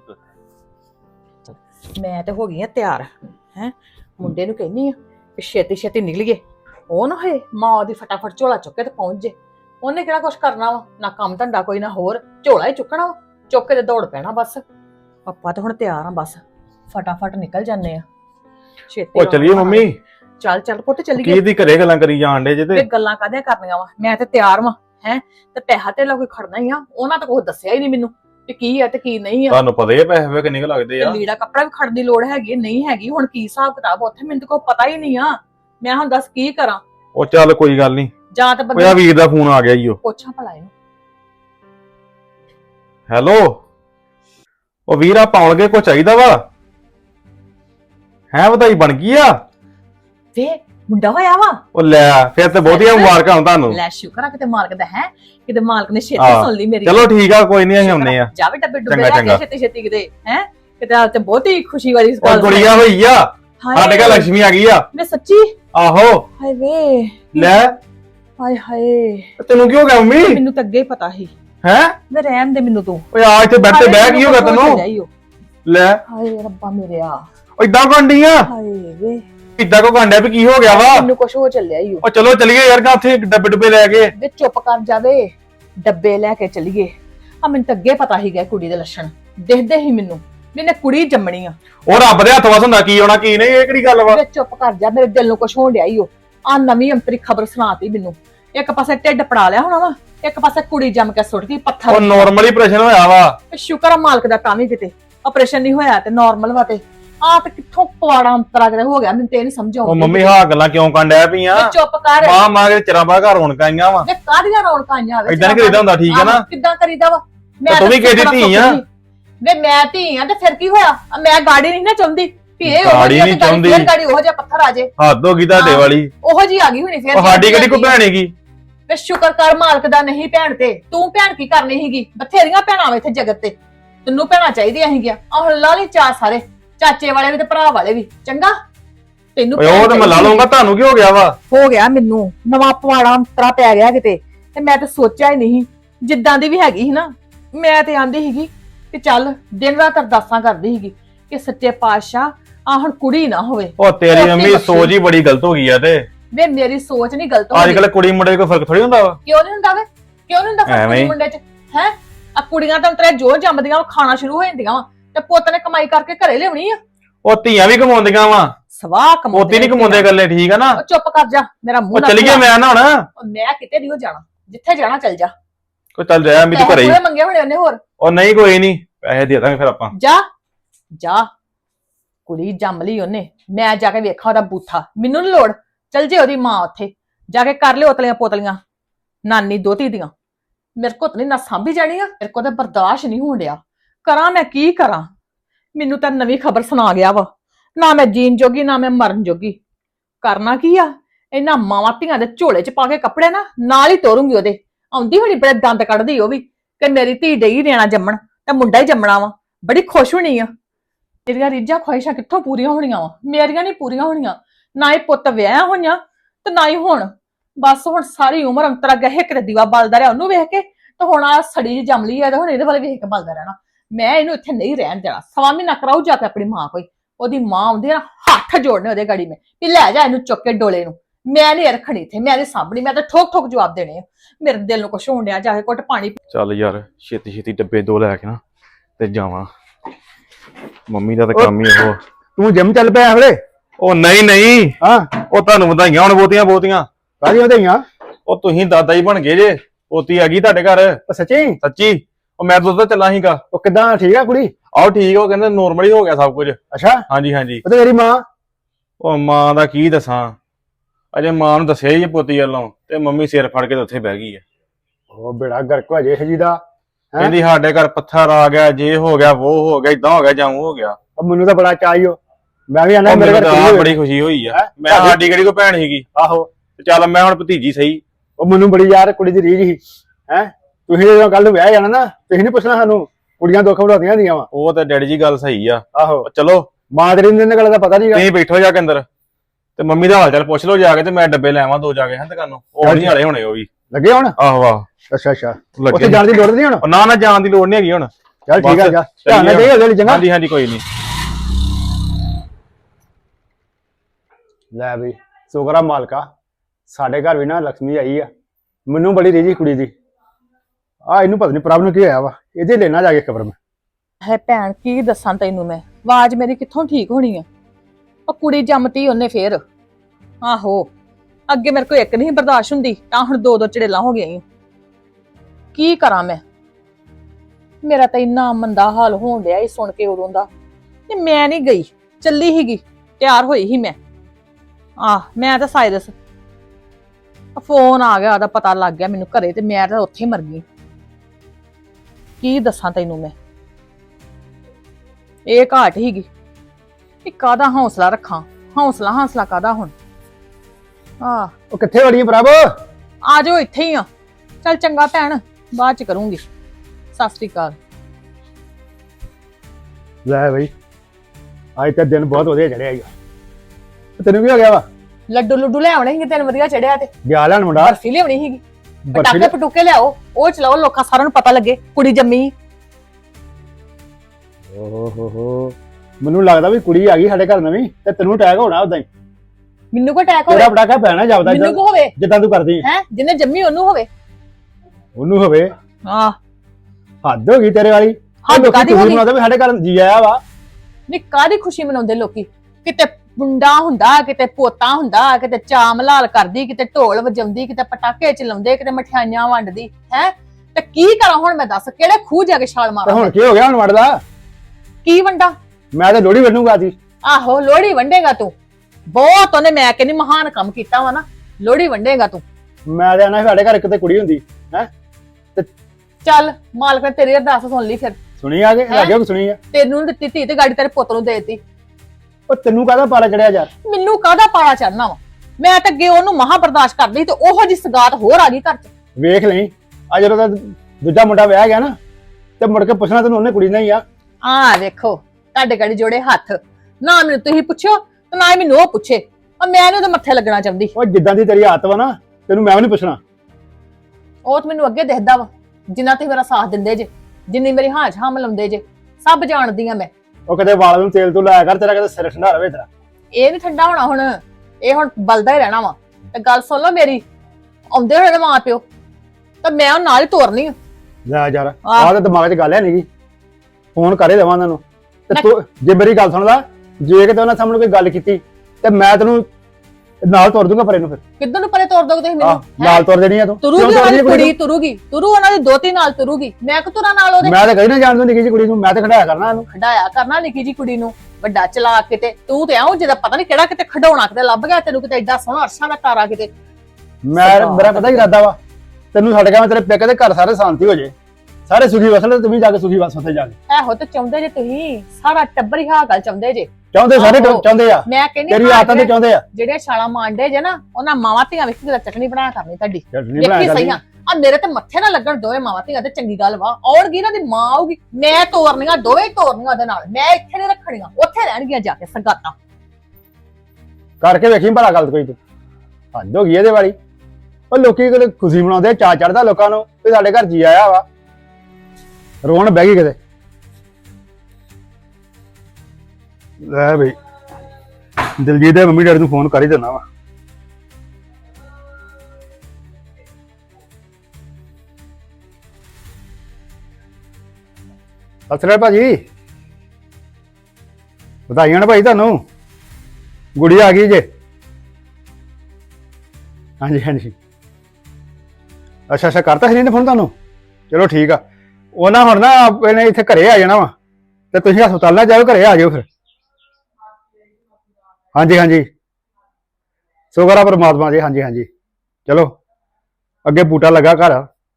ਮੈਂ ਤੇ ਹੋ ਗਈ ਆ ਤਿਆਰ। ਹੈ ਮੁੰਡੇ ਨੂੰ ਕਹਿੰਨੀ ਆ ਕਿ ਛੇਤੀ ਛੇਤੀ ਨਿਕਲੀਏ। ਉਹ ਨਾ ਹੋਏ ਮਾਂ ਦੀ ਫਟਾਫਟ ਝੋਲਾ ਚੁੱਕ ਕੇ ਤੇ ਪਹੁੰਚ ਜੇ। ਉਹਨੇ ਕਿਹੜਾ ਕੁਛ ਕਰਨਾ ਵਾ, ਨਾ ਕੰਮ ਧੰਦਾ ਕੋਈ ਨਾ ਹੋਰ, ਝੋਲਾ ਹੀ ਚੁੱਕਣਾ ਵਾ, ਚੁੱਕ ਕੇ ਤੇ ਦੌੜ ਪੈਣਾ ਬਸ। ਆਪਾਂ ਤਾਂ ਹੁਣ ਤਿਆਰ ਆ, ਬਸ ਫਟਾਫਟ ਨਿਕਲ ਜਾਂਦੇ ਆ ਛੇਤੀ। ਉਹ ਚਲੀਏ ਮੰਮੀ। ਚੱਲ ਚੱਲ ਪੁੱਤ ਚੱਲੀਏ। ਕੀ ਦੀ ਘਰੇ ਗੱਲਾਂ ਕਰੀ ਜਾਣ ਡੇ ਜੇ ਤੇ ਗੱਲਾਂ ਕਾਹਦੀਆਂ ਕਰਨੀਆਂ ਵਾ, ਮੈਂ ਤੇ ਤਿਆਰ ਵਾਂ। ਹੈ ਤੇ ਪੈਸਾ ਤੇ ਕੋਈ ਖੜਨਾ ਹੀ ਆ। ਉਹਨਾਂ ਤਾਂ ਕੁਛ ਦੱਸਿਆ ਹੀ ਨਹੀਂ ਮੈਨੂੰ ਕਿ ਕੀ ਆ ਤੇ ਕੀ ਨਹੀਂ ਆ। ਤੁਹਾਨੂੰ ਪਤਾ ਹੀ ਆ ਪੈਸੇ ਵੇ ਕਿੰਨੇ ਕੁ ਲੱਗਦੇ ਆ। ਲੀੜਾ ਕੱਪੜਾ ਵੀ ਖੜਨ ਦੀ ਲੋੜ ਹੈਗੀ ਨਹੀਂ ਹੈਗੀ, ਹੁਣ ਕੀ ਹਿਸਾਬ ਕਿਤਾਬ ਉੱਥੇ ਮੈਨੂੰ ਤਾਂ ਕੋਈ ਪਤਾ ਹੀ ਨਹੀਂ ਆ। ਮੈਂ ਹੁਣ ਦੱਸ ਕੀ ਕਰਾਂ। ਉਹ ਚੱਲ ਕੋਈ ਗੱਲ ਨਹੀਂ। ਜਾਂ ਤਾਂ ਉਹ ਬੰਦਾ ਵੀਰ ਦਾ ਫੋਨ ਆ ਗਿਆ ਈ। ਉਹ ਪੁੱਛਾਂ ਭਲਾ ਇਹਨੂੰ। ਹੈਲੋ ਉਹ ਵੀਰ ਆ ਪਾਉਣਗੇ ਕੁਛ ਚਾਹੀਦਾ ਵਾ। ਹੈ ਵਧਾਈ ਬਣ ਗਈ ਆ। ਵੇ ਮੁੰਡਾ ਹੋਇਆ ਵਾ। ਉਹ ਲੈ ਫਿਰ ਤੇ ਬਹੁਤੀਆਂ ਮੁਬਾਰਕਾਂ ਹੋਣ ਤੁਹਾਨੂੰ। ਲੈ ਸ਼ੁਕਰ ਆ ਕਿਤੇ ਮਾਲਕ ਦਾ ਹੈ, ਕਿਤੇ ਮਾਲਕ ਨੇ ਛੇਤੀ ਹਾਂ। ਸੁਣ ਲਈ ਮੇਰੀ। ਚਲੋ ਠੀਕ ਆ ਕੋਈ ਨਹੀਂ ਅਸੀਂ ਆਉਂਦੇ ਆ। ਜਾਵੇ ਡੱਬੇ ਡੁੱਬੇ ਚੰਗਾ, ਲੈ ਚੰਗਾ। ਕੇ ਛੇਤੀ ਛੇਤੀ ਕਿਤੇ ਹੈ ਕਿਤੇ ਆ ਤੇ ਬਹੁਤੀ ਖੁਸ਼ੀ ਵਾਲੀ ਉਹ ਗੱਲ ਗੁੜੀਆ ਹੋਈ ਆ ਸਾਡੇ ਘਰ ਲక్ష్ਮੀ ਆ ਗਈ ਆ। ਮੈਂ ਸੱਚੀ। ਆਹੋ ਹਾਏ ਵੇ ਲੈ ਹਾਏ ਹਾਏ ਤੈਨੂੰ ਕੀ ਹੋ ਗਿਆ ਮੰਮੀ? ਮੈਨੂੰ ਤਾਂ ਅੱਗੇ ਹੀ ਪਤਾ ਸੀ। ਹੈ ਵੇ ਰਹਿਣ ਦੇ ਮੈਨੂੰ ਤੂੰ। ਓਏ ਆ ਇੱਥੇ ਬੈਠੇ ਬਹਿ ਕੀ ਹੋ ਗਿਆ ਤੈਨੂੰ? ਲੈ ਹਾਏ ਰੱਬਾ ਮੇਰੇ ਆ। ਉਹ ਇਦਾਂ ਕੰਡੀ ਆ। ਹਾਏ ਵੇ ਇਦਾਂ ਕੋ ਕੰਡਿਆ ਵੀ ਕੀ ਹੋ ਗਿਆ ਵਾ? ਮੈਨੂੰ ਕੁਛ ਹੋ ਚੱਲਿਆ ਈ ਓ। ਉਹ ਚਲੋ ਚਲੀਏ ਯਾਰ ਕਾ ਉੱਥੇ ਡੱਬੇ ਡੁੱਬੇ ਲੈ ਕੇ। ਵੇ ਚੁੱਪ ਕਰ ਜਾਵੇ, ਡੱਬੇ ਲੈ ਕੇ ਚੱਲੀਏ। ਆ ਮੈਨੂੰ ਤਾਂ ਅੱਗੇ ਪਤਾ ਸੀਗਾ ਕੁੜੀ ਦੇ ਲੱਛਣ ਦਿਖਦੇ ਹੀ ਮੈਨੂੰ, ਮੈਨੇ ਕੁੜੀ ਜੰਮਣੀ ਆ। ਉਹ ਰੱਬ ਦੇ ਹੱਥ ਵਸ ਹੁੰਦਾ ਕੀ ਹੋਣਾ ਕੀ ਨਹੀਂ, ਇਹ ਕਿਹੜੀ ਗੱਲ ਵਾ? ਵੇ ਚੁੱਪ ਕਰ ਜਾ, ਮੇਰੇ ਦਿਲ ਨੂੰ ਕੁਛ ਹੋਣ ਡਿਆ ਈ ਓ। ਆ ਨਵੀਂ ਅੰਤਰੀ ਖਬਰ ਸੁਣਾਤੀ ਮੈਨੂੰ। ਇੱਕ ਪਾਸੇ ਢਿੱਡ ਪੜਾ ਲਿਆ ਹੋਣਾ ਵਾ, ਇੱਕ ਪਾਸੇ ਕੁੜੀ ਜੰਮ ਕੇ ਸੁੱਟ ਗਈ ਪੱਥਰ। ਉਹ ਨਾਰਮਲੀ ਆਪਰੇਸ਼ਨ ਹੋਇਆ ਵਾ। ਸ਼ੁਕਰ ਆ ਮਾਲਕ ਦਾ, ਤਾਂ ਵੀ ਕਿਤੇ ਆਪਰੇਸ਼ਨ ਨਹੀਂ ਹੋਇਆ ਤੇ ਨਾਰਮਲ ਵਾ। ਤੇ ਆ ਤੇ ਕਿੱਥੋਂ ਪਵਾੜਾ ਅੰਤਰਾ ਕਿਤੇ ਹੋ ਗਿਆ, ਮੈਨੂੰ ਤੇ ਇਹ ਨਹੀਂ ਸਮਝ ਆਉਂਦੀ। ਉਹ ਮੰਮੀ ਹਾਂ ਗੱਲਾਂ ਕਿਉਂ ਕੰਡਿਆ ਪਈਆਂ? ਚੁੱਪ ਕਰ। ਮਾਂ ਮਾਂ ਦੇ ਚਿਰਾਂ ਬਾਅਦ ਘਰ ਰੌਣਕਾਂ ਆਈਆਂ ਵਾ। ਵੇ ਕਾਹਦੀਆਂ ਰੌਣਕਾਂ ਆਈਆਂ ਆਵੇ। ਇਦਾਂ ਨਹੀਂ ਕਰੀਦਾ ਹੁੰਦਾ, ਠੀਕ ਹੈ ਨਾ? ਕਿੱਦਾਂ ਕਰੀਦਾ ਵਾ? ਮੈਂ ਤੂੰ ਵੀ ਕਿਹਦੀ ਧੀ ਆ? ਵੇ ਮੈਂ ਧੀ ਆ ਤੇ ਫਿਰ ਕੀ ਹੋਇਆ? ਮੈਂ ਗਾੜੀ ਨਹੀਂ ਨਾ ਚਾਹੁੰਦੀ ਕਿ ਇਹ ਗਾੜੀ ਨਹੀਂ ਚਾਹੁੰਦੀ। ਫਿਰ ਗਾੜੀ ਉਹੋ ਜਿਹਾ ਪੱਥਰ ਆ ਜੇ। ਹੱਦ ਹੋ ਗਈ ਤੁਹਾਡੇ ਵਾਲੀ। ਉਹੋ ਜੀ ਆ ਗਈ ਹੋਣੀ ਫਿਰ। ਉਹ ਸਾਡੀ ਕਿਹੜੀ ਕੋ ਭੈਣ ਹੈਗੀ? ਵੇ ਸ਼ੁਕਰ ਕਰ ਮਾਲਕ ਦਾ, ਨਹੀਂ ਭੈਣ ਤੇ ਤੂੰ ਭੈਣ ਕੀ ਕਰਨੀ ਸੀਗੀ? ਬਥੇਰੀਆਂ ਭੈਣਾਂ ਵਾ ਇੱਥੇ ਜਗਤ ਤੇ, ਤੈਨੂੰ ਭੈਣਾਂ ਚਾਹੀਦੀਆਂ ਸੀਗੀਆਂ। ਆਹ ਲਾ ਲਈ ਚਾਹ ਸਾਰੇ, ਚਾਚੇ ਵਾਲੇ ਵੀ ਤੇ ਭਰਾ ਵਾਲੇ ਵੀ। ਚੰਗਾ ਤੈਨੂੰ ਓਏ ਉਹ ਤੇ ਮੈਂ ਲਾ ਲਊਂਗਾ, ਤੁਹਾਨੂੰ ਕੀ ਹੋ ਗਿਆ ਵਾ? ਹੋ ਗਿਆ ਮੈਨੂੰ ਨਵਾਂ ਪਵਾੜਾ ਅੰਤਰਾ ਪੈ ਗਿਆ ਕਿਤੇ। ਤੇ ਮੈਂ ਤਾਂ ਸੋਚਿਆ ਹੀ ਨਹੀਂ, ਜਿੱਦਾਂ ਦੀ ਵੀ ਹੈਗੀ ਸੀ ਨਾ, ਮੈਂ ਤੇ ਆਂਦੀ ਸੀਗੀ ਕਿ ਚੱਲ ਦਿਨ ਰਾਤ ਅਰਦਾਸਾਂ ਕਰਦੀ ਸੀਗੀ ਕਿ ਸੱਚੇ ਪਾਤਸ਼ਾਹ ਆ ਹੁਣ ਕੁੜੀ ਨਾ ਹੋਵੇ। ਉਹ ਤੇਰੀ ਮੰਮੀ ਸੋਚ ਹੀ ਬੜੀ ਗਲਤ ਹੋ ਗਈ ਆ। ਤੇ ਵੇ ਮੇਰੀ ਸੋਚ ਨਹੀਂ ਗਲਤ ਅੱਜ ਹੋਈ। ਕੱਲ ਕੁੜੀ ਮੁੰਡੇ ਕੋਈ ਫਰਕ ਥੋੜੀ ਹੁੰਦਾ ਵਾ। ਕਿਉਂ ਨਹੀਂ ਹੁੰਦਾ ਵੇ? ਕਿਉਂ ਨਹੀਂ ਹੁੰਦਾ ਫਰਕ ਕੁੜੀ ਮੁੰਡੇ ਚ? ਹੈ ਆ ਕੁੜੀਆਂ ਤਾਂ ਤੇਰੇ ਜੋ ਜੰਮਦੀਆਂ ਉਹ ਖਾਣਾ ਸ਼ੁਰੂ ਹੋ ਜਾਂਦੀਆਂ ਵਾ, ਤੇ ਪੁੱਤ ਨੇ ਕਮਾਈ ਕਰਕੇ ਘਰੇ ਲਿਆਉਣੀ ਆ। ਉਹ ਧੀਆਂ ਵੀ ਕਮਾਉਂਦੀਆਂ ਵਾ, ਸਵਾਹ ਕਮਾਉਂਦੇ। ਮੋਤੀ ਨਹੀਂ ਕਮਾਉਂਦੇ ਗੱਲੇ, ਠੀਕ ਆ ਨਾ? ਉਹ ਚੁੱਪ ਕਰ ਜਾ, ਮੇਰਾ ਮੂੰਹ ਉਹ ਨਾ ਚਲੀਏ ਮੈਂ ਨਾ ਹੁਣ। ਮੈਂ ਕਿਤੇ ਨਹੀਂ ਹੋ ਜਾਣਾ, ਜਿੱਥੇ ਜਾਣਾ ਚੱਲ ਜਾ। ਕੋਈ ਚੱਲ ਜਾਇਆ ਮੇਰੀ ਘਰੇ ਹੀ। ਪੈਸੇ ਮੰਗੇ ਹੋਣੇ ਉਹਨੇ ਹੋਰ। ਉਹ ਨਹੀਂ ਕੋਈ ਨਹੀਂ, ਪੈਸੇ ਦੇ ਦਾਂਗੇ ਫਿਰ ਆਪਾਂ। ਜਾ ਜਾ, ਕੁੜੀ ਜੰਮ ਲਈ ਉਹਨੇ। ਮੈਂ ਜਾ ਕੇ ਵੇਖਾਂ ਉਹਦਾ ਬੂਥਾ, ਮੈਨੂੰ ਨੀ ਲੋੜ। ਚੱਲ ਜੇ ਉਹਦੀ ਮਾਂ ਉੱਥੇ ਜਾ ਕੇ ਕਰ ਲਿਓ ਉਤਲੀਆਂ ਪੋਤਲੀਆਂ ਨਾਨੀ ਦੋਤੀ ਦੀਆਂ। ਮੇਰੇ ਕੋਲ ਨਹੀਂ ਨਾ ਸਾਂਭੀ ਜਾਣੀ ਆ, ਮੇਰੇ ਕੋਲ ਤਾਂ ਬਰਦਾਸ਼ਤ ਨਹੀਂ ਹੋਣ ਡਿਆ। ਕਰਾਂ ਮੈਂ ਕੀ ਕਰਾਂ? ਮੈਨੂੰ ਤਾਂ ਨਵੀਂ ਖਬਰ ਸੁਣਾ ਗਿਆ ਵਾ, ਨਾ ਮੈਂ ਜੀਣ ਜੋਗੀ ਨਾ ਮੈਂ ਮਰਨ ਜੋਗੀ। ਕਰਨਾ ਕੀ ਆ? ਇਹਨਾਂ ਮਾਵਾਂ ਧੀਆਂ ਦੇ ਝੋਲੇ ਚ ਪਾ ਕੇ ਕੱਪੜੇ ਨਾ ਨਾਲ ਹੀ ਤੋਰੂੰਗੀ ਉਹਦੇ। ਆਉਂਦੀ ਹੋਣੀ ਬੜੇ ਦੰਦ ਕੱਢਦੀ ਉਹ ਵੀ ਕਿ ਮੇਰੀ ਧੀ ਡਈ ਦੇਣਾ ਜੰਮਣ ਤੇ ਮੁੰਡਾ ਹੀ ਜੰਮਣਾ ਵਾ। ਬੜੀ ਖੁਸ਼ ਹੋਣੀ ਆ। ਤੇਰੀਆਂ ਰੀਝਾਂ ਖੁਆਇਸ਼ਾਂ ਕਿੱਥੋਂ ਪੂਰੀਆਂ ਹੋਣੀਆਂ ਵਾ? ਮੇਰੀਆਂ ਨਹੀਂ ਪੂਰੀਆਂ ਹੋਣੀਆਂ। ਨਾ ਹੀ ਪੁੱਤ ਵਿਆਹ ਹੋਈਆਂ ਤੇ ਨਾ ਹੀ ਹੁਣ। ਬਸ ਹੁਣ ਸਾਰੀ ਉਮਰ ਅੰਤਰਾ ਗਹਿ ਕਿਤੇ ਦੀਵਾ ਬਲਦਾ ਰਿਹਾ ਉਹਨੂੰ ਵੇਖ ਕੇ, ਤੇ ਹੁਣ ਆ ਸੜੀ ਜਿਹੀ ਜੰਮ ਲਈ ਆ ਤੇ ਹੁਣ ਇਹਦੇ ਵੱਲ ਵੇਖ ਕੇ ਬਲਦਾ ਰਹਿਣਾ। ਮੈਂ ਇਹਨੂੰ ਇੱਥੇ ਨਹੀਂ ਰਹਿਣ ਦੇਣਾ। ਸਵਾ ਮਹੀਨਾ ਕਰਾਊ ਜਾ ਕੇ ਆਪਣੀ ਮਾਂ ਕੋਈ। ਉਹਦੀ ਮਾਂ ਆਉਂਦੀ ਆ ਨਾ, ਹੱਥ ਜੋੜਨੇ ਉਹਦੇ ਗਾੜੀ ਮੈਂ ਵੀ ਲੈ ਜਾ ਇਹਨੂੰ ਚੁੱਕ ਕੇ ਡੋਲੇ ਨੂੰ। ਮੈਂ ਨਹੀਂ ਰੱਖਣੀ ਇੱਥੇ, ਮੈਂ ਨਹੀਂ ਸਾਂਭਣੀ। ਮੈਂ ਤਾਂ ਠੋਕ ਠੋਕ ਜਵਾਬ ਦੇਣੇ ਆ। ਮੇਰੇ ਦਿਲ ਨੂੰ ਕੁਛ ਹੋਣ ਡਿਆ, ਜਾ ਕੇ ਘੁੱਟ ਪਾਣੀ। ਚੱਲ ਯਾਰ ਛੇਤੀ ਛੇਤੀ ਡੱਬੇ ਦੋ ਲੈ ਕੇ ਨਾ ਤੇ ਜਾਵਾਂ। ਮੰਮੀ ਦਾ ਤਾਂ ਕੰਮ ਹੀ ਉਹ। ਤੂੰ ਜਿਮ ਚੱਲ ਪਿਆ ਹਲੇ? ਉਹ ਨਹੀਂ ਨਹੀਂ, ਹਾਂ, ਉਹ ਤੁਹਾਨੂੰ ਵਧਾਈਆਂ ਹੁਣ ਬਹੁਤੀਆਂ ਬਹੁਤੀਆਂ। ਕਾਹਦੀਆਂ ਵਧਾਈਆਂ? ਉਹ ਤੁਸੀਂ ਦਾਦਾ ਹੀ ਬਣ ਗਏ ਜੇ, ਪੋਤੀ ਆ ਗਈ ਤੁਹਾਡੇ ਘਰ। ਉਹ ਸੱਚੀ? ਸੱਚੀ। ਉਹ ਮੈਂ ਤਾਂ ਚੱਲਾ ਸੀਗਾ। ਉਹ ਕਿੱਦਾਂ, ਠੀਕ ਆ ਕੁੜੀ? ਆਹੋ ਠੀਕ, ਉਹ ਕਹਿੰਦੇ ਨੋਰਮਲ ਹੀ ਹੋ ਗਿਆ ਸਭ ਕੁਝ। ਅੱਛਾ, ਹਾਂਜੀ ਹਾਂਜੀ। ਉਹ ਤੇ ਤੇਰੀ ਮਾਂ? ਉਹ ਮਾਂ ਦਾ ਕੀ ਦੱਸਾਂ, ਅਜੇ ਮਾਂ ਨੂੰ ਦੱਸਿਆ ਹੀ ਪੋਤੀ ਵੱਲੋਂ ਤੇ ਮੰਮੀ ਸਿਰ ਫੜ ਕੇ ਤੇ ਉੱਥੇ ਬਹਿ ਗਈ ਆ। ਉਹ ਬੇੜਾ ਗਰਕ ਹੋ ਜੇ ਜੀ ਦਾ। ਕਹਿੰਦੀ ਸਾਡੇ ਘਰ ਪੱਥਰ ਆ ਗਿਆ, ਜੇ ਹੋ ਗਿਆ ਉਹ ਹੋ ਗਿਆ, ਇਦਾਂ ਹੋ ਗਿਆ ਜਾਂ ਉਹ ਹੋ ਗਿਆ। ਉਹ ਮੈਨੂੰ ਤਾਂ ਬੜਾ ਚਾਅ ਈ ਓ। ਮੈਂ ਵੀ ਆਣਾ ਮੇਰੇ ਘਰ ਕੁੜੀ ਹੋਵੇ। ਬੜੀ ਖੁਸ਼ੀ ਹੋਈ ਆ। ਮੈਂ ਸਾਡੀ ਕਿਹੜੀ ਕੋ ਭੈਣ ਸੀਗੀ। ਆਹੋ, ਤੇ ਚੱਲ ਮੈਂ ਹੁਣ ਭਤੀਜੀ ਸਹੀ। ਉਹ ਮੈਨੂੰ ਬੜੀ ਯਾਰ ਕੁੜੀ ਦੀ ਰੀਝ ਸੀ। ਹੈ ਤੁਸੀਂ ਜਦੋਂ ਕੱਲ ਨੂੰ ਵਿਆਹ ਜਾਣਾ ਨਾ, ਤੁਸੀਂ ਨੀ ਪੁੱਛਣਾ ਸਾਨੂੰ, ਕੁੜੀਆਂ ਦੁੱਖ ਵੜਾਉਂਦੀਆਂ ਹੁੰਦੀਆਂ ਵਾ। ਉਹ ਤਾਂ ਡੈਡੀ ਜੀ ਗੱਲ ਸਹੀ ਆ। ਆਹੋ ਚਲੋ ਮਾਂ ਤੇਰੀ ਨੂੰ ਇਹਨਾਂ ਗੱਲ ਦਾ ਪਤਾ ਨਹੀਂਗਾ। ਤੁਸੀਂ ਬੈਠੋ ਜਾ ਕੇ ਅੰਦਰ ਤੇ ਮੰਮੀ ਦਾ ਹਾਲ ਚਾਲ ਪੁੱਛ ਲਓ ਜਾ ਕੇ, ਤੇ ਮੈਂ ਡੱਬੇ ਲੈ ਆਵਾਂ ਦੋ ਜਾ ਕੇ ਹਾਂ ਦੁਕਾਨੋਂ। ਉਹ ਨਹੀਂ ਵਾਲੇ ਹੋਣੇ ਉਹ ਵੀ ਲੱਗੇ ਹੁਣ? ਆਹੋ ਆਹੋ ਅੱਛਾ ਅੱਛਾ, ਲੱਗੇ। ਉੱਥੇ ਜਾਣ ਦੀ ਲੋੜ ਨਹੀਂ ਹੁਣ? ਨਾ ਨਾ ਜਾਣ ਦੀ ਲੋੜ ਨਹੀਂ ਹੈਗੀ ਹੁਣ। ਚੱਲ ਠੀਕ ਆ, ਜਾ ਧਿਆਨ ਨਾਲ ਜਾਈਂ ਅਗਲੇ ਚੰਗਾ। ਹਾਂਜੀ ਹਾਂਜੀ ਕੋਈ ਨਹੀਂ। ਲੈ ਬਈ ਸ਼ੁਕਰ ਆ ਮਾਲਕਾ, ਸਾਡੇ ਘਰ ਵੀ ਨਾ ਲక్ష్ਮੀ ਆਈ ਆ। ਮੈਨੂੰ ਬੜੀ ਰੀਝੀ ਕੁੜੀ ਦੀ। ਆ ਇਹਨੂੰ ਪਤਾ ਨਹੀਂ ਪ੍ਰਭ ਨੂੰ ਕੀ ਹੋਇਆ ਵਾ, ਇਹਦੇ ਲੈਣਾ ਜਾ ਕੇ ਖਬਰ ਮੈਂ। ਹੈ ਭੈਣ, ਕੀ ਦੱਸਾਂ ਤੈਨੂੰ ਮੈਂ, ਆਵਾਜ਼ ਮੇਰੀ ਕਿੱਥੋਂ ਠੀਕ ਹੋਣੀ ਆ? ਉਹ ਕੁੜੀ ਜੰਮਤੀ ਉਹਨੇ ਫੇਰ। ਆਹੋ, ਅੱਗੇ ਮੇਰੇ ਕੋਲ ਇੱਕ ਨਹੀਂ ਬਰਦਾਸ਼ਤ ਹੁੰਦੀ, ਤਾਂ ਹੁਣ ਦੋ ਦੋ ਚੜੇਲਾਂ ਹੋ ਗਈਆਂ। ਕੀ ਕਰਾਂ ਮੈਂ? ਮੇਰਾ ਤਾਂ ਇੰਨਾ ਮੰਦਾ ਹਾਲ ਹੋਣ ਡਿਆ ਇਹ ਸੁਣ ਕੇ ਉਦੋਂ ਦਾ, ਤੇ ਮੈਂ ਨਹੀਂ ਗਈ। ਚੱਲੀ ਹੀਗੀ, ਤਿਆਰ ਹੋਈ ਹੀ ਮੈਂ। ਆਹ ਮੈਂ ਤਾਂ ਸਾਇਰਸ ਫੋਨ ਆ ਗਿਆ, ਉਹਦਾ ਪਤਾ ਲੱਗ ਗਿਆ ਮੈਨੂੰ ਘਰੇ, ਤੇ ਮੈਂ ਤਾਂ ਉੱਥੇ ਮਰ ਗਈ। ਕੀ ਦੱਸਾਂ ਤੈਨੂੰ ਮੈਂ, ਇਹ ਘਾਟ ਹੀਗੀ। ਇਹ ਕਾਹਦਾ ਹੌਸਲਾ ਰੱਖਾਂ? ਹੌਸਲਾ ਹੌਸਲਾ ਕਾਹਦਾ ਹੁਣ? ਆਹ ਉਹ ਕਿੱਥੇ ਵੜੀ ਪ੍ਰਭ? ਆ ਜਾਓ, ਇੱਥੇ ਹੀ ਆ। ਚੱਲ ਚੰਗਾ ਭੈਣ, ਬਾਅਦ ਚ ਕਰੂੰਗੀ। ਸਤਿ ਸ੍ਰੀ ਅਕਾਲ। ਲੈ ਬਈ ਅੱਜ ਤਾਂ ਦਿਨ ਬਹੁਤ ਵਧੀਆ ਚੜਿਆ ਹੈਗਾ। ਤੈਨੂੰ ਕੀ ਹੋ ਗਿਆ ਵਾ? ਲੱਡੂ ਲੁੱਡੂ ਲੈ ਆਉਣੇ ਸੀਗੇ, ਤੈਨੂੰ ਵਧੀਆ ਚੜਿਆ ਤੇ ਗਿਆ ਲੈਣ ਮੁੰਡਾ। ਬਰਫੀ ਲਿਆਉਣੀ ਸੀਗੀ, ਬਰਫੀ ਪਟਾਕੇ ਪਟੂਕੇ ਲਿਆਓ, ਉਹ ਚਲਾਓ, ਲੋਕਾਂ ਸਾਰਿਆਂ ਨੂੰ ਪਤਾ ਲੱਗੇ ਕੁੜੀ ਜੰਮੀ। ਓਹ ਹੋ ਹੋ, ਮੈਨੂੰ ਲੱਗਦਾ ਵੀ ਕੁੜੀ ਆ ਗਈ ਸਾਡੇ ਘਰ ਨਵੀਂ, ਤੇ ਤੈਨੂੰ ਅਟੈਕ ਹੋਣਾ ਉਦਾਂ ਹੀ। ਮੈਨੂੰ ਕੋ ਅਟੈਕ ਹੋਵੇ? ਤੇਰਾ ਪਟਾਕਾ ਪੈਣਾ ਜਾਪਦਾ ਮੈਨੂੰ ਕੋ ਹੋਵੇ ਜਿੱਦਾਂ ਤੂੰ ਕਰਦੀ ਹੈ। ਹੈ ਜਿਹਨੇ ਜੰਮੀ ਉਹਨੂੰ ਹੋਵੇ। ਉਹਨੂੰ ਹੋਵੇ? ਆਹ ਹੱਦ ਹੋ ਗਈ ਤੇਰੇ ਵਾਲੀ। ਹੱਦ ਕਾਹਦੀ ਹੋ ਗਈ? ਬਣਾਉਂਦਾ ਵੀ ਸਾਡੇ ਘਰ ਜੀ ਆਇਆ ਵਾ। ਨੀ ਕਾਹਦੀ ਖੁਸ਼ੀ ਮਨਾਉਂਦੇ ਲੋਕੀ? ਕਿਤੇ ਮੁੰਡਾ ਹੁੰਦਾ, ਕਿਤੇ ਪੋਤਾ ਹੁੰਦਾ, ਕਿਤੇ ਚਾਮ ਲਾਲ ਕਰਦੀ, ਕਿਤੇ ਢੋਲ ਵਜਾਉਂਦੀ, ਕਿਤੇ ਪਟਾਕੇ ਚਲਾਉਂਦੇ, ਕਿਤੇ ਮਠਿਆਈਆਂ ਵੰਡਦੀ ਹੈ। ਤੇ ਕੀ ਕਰਾਂ ਹੁਣ ਮੈਂ? ਦੱਸ ਕਿਹੜੇ ਖੂਹ ਜਾ ਕੇ ਛਾਲ ਤੇ ਮਾਰਾਂ? ਹੁਣ ਕੀ ਹੋ ਗਿਆ ਹੁਣ ਵੜਦਾ? ਕੀ ਵੰਡਾ? ਮੈਂ ਤਾਂ ਲੋਹੜੀ ਵੰਡੂਗਾ ਜੀ। ਆਹੋ, ਲੋਹੜੀ ਵੰਡੇਗਾ ਤੂੰ? ਬਹੁਤ ਉਹਨੇ, ਮੈਂ ਕਹਿੰਦੀ ਮਹਾਨ ਕੰਮ ਕੀਤਾ ਵਾ ਨਾ, ਲੋਹੜੀ ਵੰਡੇਗਾ ਤੂੰ। ਮੈਂ ਤਾਂ ਆਣਾ ਸਾਡੇ ਘਰ ਕਿਤੇ ਕੁੜੀ ਹੁੰਦੀ ਹੈ। ਚੱਲ ਮਾਲਕ ਨੇ ਤੇਰੀ ਅਰਦਾਸ ਸੁਣ ਲਈ, ਫਿਰ ਸੁਣੀ ਆ ਕੇ ਲੱਗੇ ਕਿ ਸੁਣੀ ਆ? ਤੈਨੂੰ ਦਿੱਤੀ ਧੀ ਤੇ ਗਾੜੀ ਤੇਰੇ ਪੁੱਤ ਨੂੰ ਦੇ ਦਿੱਤੀ। ਉਹ ਤੈਨੂੰ ਕਾਹਦਾ ਪਾਲਾ ਚੜਿਆ ਯਾਰ? ਮੈਨੂੰ ਕਾਹਦਾ ਪਾਲਾ ਚੜਨਾ ਵਾ? ਮੈਂ ਤਾਂ ਅੱਗੇ ਉਹਨੂੰ ਮਹਾ ਬਰਦਾਸ਼ਤ ਕਰਦੀ, ਤੇ ਉਹੋ ਜੀ ਸਗਾਤ ਹੋਰ ਆ ਗਈ ਘਰ ਚ। ਵੇਖ ਲਈ ਆ ਜਦੋਂ ਦਾ ਦੂਜਾ ਮੁੰਡਾ ਵਿਆਹ ਗਿਆ ਨਾ, ਤੇ ਮੁੜ ਕੇ ਪੁੱਛਣਾ ਤੈਨੂੰ ਉਹਨੇ ਕੁੜੀ ਨਹੀਂ ਆ। ਆ ਵੇਖੋ ਤੁਹਾਡੇ ਗਾੜੀ ਜੋੜੇ ਹੱਥ, ਨਾ ਮੈਨੂੰ ਤੁਸੀਂ ਪੁੱਛੋ ਤੇ ਨਾ ਹੀ ਮੈਨੂੰ ਉਹ ਪੁੱਛੇ। ਉਹ ਮੈਂ ਨੀ ਉਹਦੇ ਮੱਥੇ ਲੱਗਣਾ ਚਾਹੁੰਦੀ। ਉਹ ਜਿੱਦਾਂ ਦੀ ਤੇਰੀ ਆਦਤ ਵਾ ਨਾ, ਤੈਨੂੰ ਮੈਂ ਵੀ ਨਹੀਂ ਪੁੱਛਣਾ। ਉਹ ਤਾਂ ਮੈਨੂੰ ਅੱਗੇ ਦਿਖਦਾ ਵਾ, ਜਿੰਨਾ ਤੁਸੀਂ ਮੇਰਾ ਸਾਥ ਦਿੰਦੇ ਜੇ, ਜਿੰਨੀ ਮੇਰੀ ਹਾਜ ਹਾਂ ਮਿਲਾਉਂਦੇ ਜੇ, ਸਭ ਜਾਣਦੀ ਆ ਮੈਂ। ਉਹ ਕਦੇ ਵਾਲ ਨੂੰ ਤੇਲ ਤੋਂ ਲਾਇਆ ਕਰ, ਤੇਰਾ ਕਦੇ ਸਿਰ ਠੰਡਾ ਰਵੇ ਤੇਰਾ। ਇਹ ਨਹੀਂ ਠੰਡਾ ਹੋਣਾ ਹੁਣ, ਇਹ ਹੁਣ ਬਲਦਾ ਹੀ ਰਹਿਣਾ ਵਾ। ਤੇ ਗੱਲ ਸੁਣ ਲਓ ਮੇਰੀ, ਆਉਂਦੇ ਹੋਏ ਮਾਂ ਪਿਓ ਤਾਂ ਮੈਂ ਉਹ ਨਾਲ ਹੀ ਤੋਰਨੀ ਆ। ਲੈ ਯਾਰ ਆਹ ਤਾਂ ਦਿਮਾਗ 'ਚ ਗੱਲ ਹੈ ਨੀ ਗੀ। ਫੋਨ ਕਰੇ ਦੇਵਾਂ ਉਹਨਾਂ ਨੂੰ। ਤੇ ਤੂੰ ਜੇ ਮੇਰੀ ਗੱਲ ਸੁਣਦਾ, ਜੇ ਕਿਤੇ ਉਹਨਾਂ ਸਾਹਮਣੇ ਕੋਈ ਗੱਲ ਕੀਤੀ ਤੇ ਮੈਂ ਤੈਨੂੰ ਨਾਲ ਤੋਰ ਦੂੰਗਾ ਪਰੇ ਨੂੰ। ਫਿਰ ਕਿੱਦਾਂ ਨੂੰ ਪਰੇ ਤੋਰ ਦੋਗੇ ਤੁਸੀਂ ਮੈਨੂੰ? ਨਾਲ ਤੋਰ ਦੇਣੀ ਆ ਤੂੰ। ਤੁਰੂਗੀ ਉਹਨਾਂ ਦੀ ਕੁੜੀ, ਤੁਰੂਗੀ ਤੁਰੂ ਉਹਨਾਂ ਦੀ ਦੋਤੀ ਨਾਲ ਤੁਰੂਗੀ। ਮੈਂ ਕਿ ਤੁਰਾਂ ਨਾਲ ਉਹਦੇ? ਮੈਂ ਤਾਂ ਕਹੀ ਨਾ ਜਾਣਦਾ ਨਿੱਕੀ ਜੀ ਕੁੜੀ ਨੂੰ, ਮੈਂ ਤਾਂ ਖੜਾਇਆ ਕਰਨਾ ਇਹਨੂੰ। ਖਡਾਇਆ ਕਰਨਾ ਨਿੱਕੀ ਜੀ ਕੁੜੀ ਨੂੰ? ਵੱਡਾ ਚਲਾ ਕਿਤੇ ਤੂੰ ਤੇ ਆਉਂ ਜਿਹਦਾ ਪਤਾ ਨਹੀਂ ਕਿਹੜਾ ਕਿਤੇ ਖਡਾਉਣਾ ਕਿਤੇ ਲੱਭ ਗਿਆ ਤੈਨੂੰ, ਕਿਤੇ ਐਡਾ ਸੋਹਣਾ ਅਰਸ਼ਾਂ ਦਾ ਤਾਰਾ ਕਿਤੇ। ਮੈਂ ਮੇਰਾ ਪਤਾ ਹੀ ਇਰਾਦਾ ਵਾ, ਤੈਨੂੰ ਛੱਡ ਕੇ ਮੈਂ ਤੇਰੇ ਪੇਕੇ ਦੇ ਘਰ ਸਾਰੇ ਸ਼ਾਂਤੀ ਹੋ ਜੇ, ਸਾਰੇ ਸੁਖੀ ਵਸਣ, ਤੇ ਤੂੰ ਵੀ ਜਾ ਕੇ ਸੁਖੀ ਵਸ ਉੱਥੇ ਜਾ ਕੇ। ਇਹੋ ਤੇ ਚਾਹੁੰਦੇ ਜੇ ਤੁਸੀਂ, ਸਾਰਾ ਟੱਬਰ ਹੀ ਹਾਲ ਚਾਹੁੰਦੇ ਜੇ। ਚਾਹੁੰਦੇ ਸਾਰੇ ਚਾਹੁੰਦੇ ਆ, ਮੈਂ ਕਹਿੰਦੀ ਤੇਰੀ ਆਦਤਾਂ ਤੇ ਚਾਹੁੰਦੇ ਆ। ਜਿਹੜੀਆਂ ਛਾਲਾਂ ਮਾਂਡੇ ਜੇ ਨਾ, ਉਹਨਾਂ ਮਾਵਾਂ ਧੀਆਂ ਵੇਖੀ ਕਿਤੇ ਚਟਣੀ ਬਣਾ ਕਰਨੀ ਤੁਹਾਡੀ। ਚਟਨੀ ਵੇਖੀ ਬਣਾਇਆ ਸਹੀਆਂ, ਆ ਮੇਰੇ ਤੇ ਮੱਥੇ ਨਾ ਲੱਗਣ ਦੋਵੇਂ ਮਾਵਾਂ ਧੀਆਂ ਤੇ ਚੰਗੀ ਗੱਲ ਵਾ ਆਉਣਗੀ ਇਹਨਾਂ ਦੀ ਮਾਂ ਆਊਗੀ ਮੈਂ ਤੋਰਨੀਆਂ ਦੋਵੇਂ ਹੀ ਤੋਰਨੀਆਂ ਉਹਦੇ ਨਾਲ ਮੈਂ ਇੱਥੇ ਨਹੀਂ ਰੱਖਣੀਆਂ ਉੱਥੇ ਰਹਿਣਗੀਆਂ ਜਾ ਕੇ ਸੰਗਾਤਾਂ ਕਰਕੇ ਵੇਖੀ ਭਲਾ ਗੱਲ ਕੋਈ ਤੂੰ ਹੱਦ ਹੋ ਗਈ ਇਹਦੇ ਵਾਲੀ ਉਹ ਲੋਕੀ ਕਿਤੇ ਖੁਸ਼ੀ ਮਨਾਉਂਦੇ ਚਾ ਚੜਦਾ ਲੋਕਾਂ ਨੂੰ ਵੀ ਸਾਡੇ ਘਰ ਜੀ ਆਇਆ ਵਾ ਰੋਣ ਬਹਿ ਗਈ ਕਿਤੇ ਲੈ ਬਈ ਦਿਲਜੀਤ ਦੇ ਮੰਮੀ ਡੈਡੀ ਨੂੰ ਫੋਨ ਕਰ ਹੀ ਦਿੰਦਾ ਵਾ ਸਤਿ ਸ਼੍ਰੀ ਅਕਾਲ ਭਾਜੀ ਵਧਾਈਆਂ ਨੇ ਭਾਈ ਤੁਹਾਨੂੰ ਗੁੜੀ ਆ ਗਈ ਜੇ ਹਾਂਜੀ ਹਾਂਜੀ ਅੱਛਾ ਅੱਛਾ ਕਰਤਾ ਸੀ ਨੇ ਫੋਨ ਤੁਹਾਨੂੰ ਚਲੋ ਠੀਕ ਆ ਉਹ ਨਾ ਹੁਣ ਨਾ ਆਪਣੇ ਇੱਥੇ ਘਰੇ ਆ ਜਾਣਾ ਵਾ ਤੇ ਤੁਸੀਂ ਹਸਪਤਾਲ ਨਾ ਜਾਓ ਘਰੇ ਆ ਜਾਓ ਫਿਰ ਹਾਂਜੀ ਹਾਂਜੀ ਸ਼ੁਕਰ ਆ ਪਰਮਾਤਮਾ ਜੀ ਹਾਂਜੀ ਹਾਂਜੀ ਚਲੋ ਅੱਗੇ ਬੂਟਾ ਲੱਗਾ ਘਰ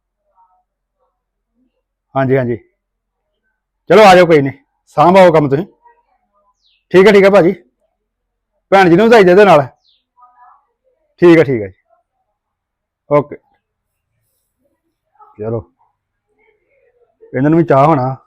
ਹਾਂਜੀ ਹਾਂਜੀ ਚਲੋ ਆ ਜਾਓ ਕੋਈ ਨਹੀਂ ਸਾਂਭਾਓ ਕੰਮ ਤੁਸੀਂ ਠੀਕ ਹੈ ਠੀਕ ਹੈ ਭਾਜੀ ਭੈਣ ਜੀ ਨੂੰ ਵਧਾਈ ਦੇ ਦੇ ਨਾਲ ਠੀਕ ਹੈ ਠੀਕ ਹੈ ਜੀ ਓਕੇ ਚਲੋ ਇਹਨਾਂ ਨੂੰ ਵੀ ਚਾਹ ਹੋਣਾ